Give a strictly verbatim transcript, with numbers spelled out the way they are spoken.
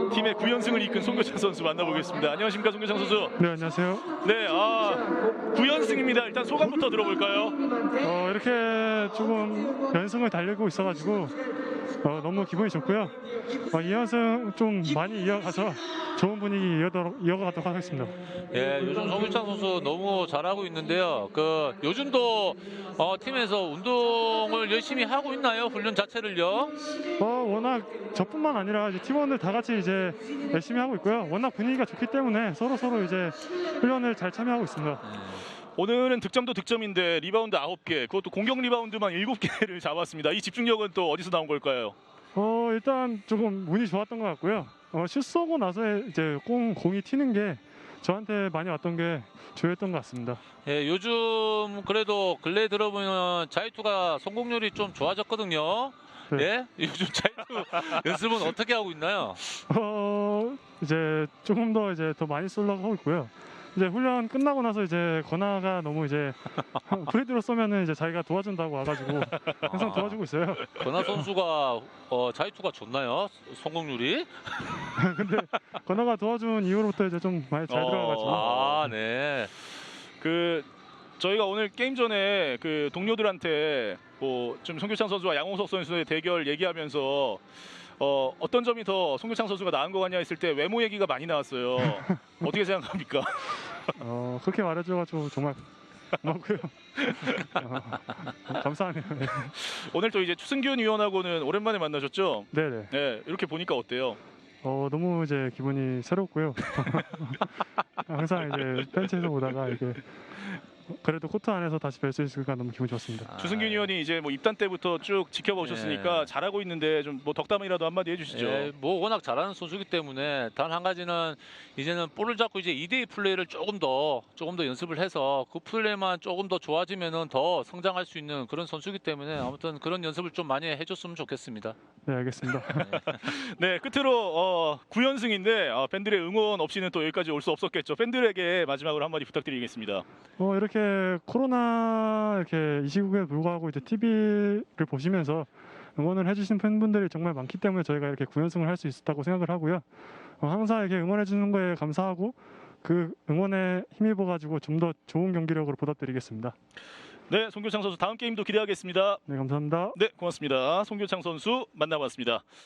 팀의 구 연승을 이끈 송교창 선수 만나보겠습니다. 안녕하십니까, 송교창 선수. 네, 안녕하세요. 네, 아, 구 연승입니다. 일단 소감부터 들어볼까요? 어, 이렇게 조금 연승을 달리고 있어가지고 어, 너무 기분이 좋고요. 어, 이 연승 좀 많이 이어가서 좋은 분위기 이어가도록, 이어가도록 하겠습니다. 예, 요즘 송교창 선수 너무 잘하고 있는데요. 그 요즘도 어, 팀에서 운동을 열심히 하고 있나요? 훈련 자체를요? 어, 워낙 저뿐만 아니라 이제 팀원들 다 같이 이제 열심히 하고 있고요. 워낙 분위기가 좋기 때문에 서로 서로 이제 훈련을 잘 참여하고 있습니다. 오늘은 득점도 득점인데 리바운드 아홉 개, 그것도 공격 리바운드만 일곱 개를 잡았습니다. 이 집중력은 또 어디서 나온 걸까요? 어, 일단 조금 운이 좋았던 것 같고요. 어, 슛 쏘고 나서 이제 공, 공이 튀는 게 저한테 많이 왔던 게 주요했던 것 같습니다. 예, 요즘 그래도 근래 들어보면 자유투가 성공률이 좀 좋아졌거든요. 네. 예? 요즘 자유투 연습은 어떻게 하고 있나요? 어, 이제 조금 더 이제 더 많이 쏘려고 하고 있고요. 이제 훈련 끝나고 나서 이제 건아가 너무 이제 프리드로 쏘면은 이제 자기가 도와준다고 와가지고 항상 도와주고 있어요. 건아 선수가 어, 자유투가 좋나요? 성공률이? 근데 건아가 도와준 이후로부터 이제 좀 많이 잘 어, 들어가가지고. 아, 네. 그 저희가 오늘 게임 전에 그 동료들한테 뭐 좀 송교창 선수와 양홍석 선수의 대결 얘기하면서 어, 어떤 점이 더 송교창 선수가 나은 거 같냐 했을 때 외모 얘기가 많이 나왔어요. 어떻게 생각합니까? 어, 그렇게 말해줘가지고 정말 고맙고요. 어, 감사하네요. 네. 오늘 또 이제 추승균 위원하고는 오랜만에 만나셨죠? 네네. 네, 이렇게 보니까 어때요? 어, 너무 이제 기분이 새롭고요. 항상 이제 벤치에서 보다가 이렇게 그래도 코트 안에서 다시 뵐 수 있으니까 너무 기분 좋습니다. 아, 추승균 위원이 이제 뭐 입단 때부터 쭉 지켜보셨으니까 예. 잘하고 있는데 좀 뭐 덕담이라도 한마디 해주시죠. 예, 뭐 워낙 잘하는 선수이기 때문에 단 한 가지는 이제는 볼을 잡고 이제 이 대이 플레이를 조금 더 조금 더 연습을 해서 그 플레이만 조금 더 좋아지면은 더 성장할 수 있는 그런 선수이기 때문에 아무튼 그런 연습을 좀 많이 해줬으면 좋겠습니다. 네, 알겠습니다. 네, 끝으로 어, 구 연승인데 어, 팬들의 응원 없이는 또 여기까지 올 수 없었겠죠. 팬들에게 마지막으로 한마디 부탁드리겠습니다. 어, 이렇게 코로나 이렇게 이 시국에 불구하고 이제 티비를 보시면서 응원을 해주신 팬분들이 정말 많기 때문에 저희가 이렇게 구 연승을 할 수 있었다고 생각을 하고요. 어, 항상 이렇게 응원해 주는 거에 감사하고 그 응원에 힘입어 가지고 좀 더 좋은 경기력으로 보답드리겠습니다. 네, 송교창 선수 다음 게임도 기대하겠습니다. 네, 감사합니다. 네, 고맙습니다. 송교창 선수 만나봤습니다.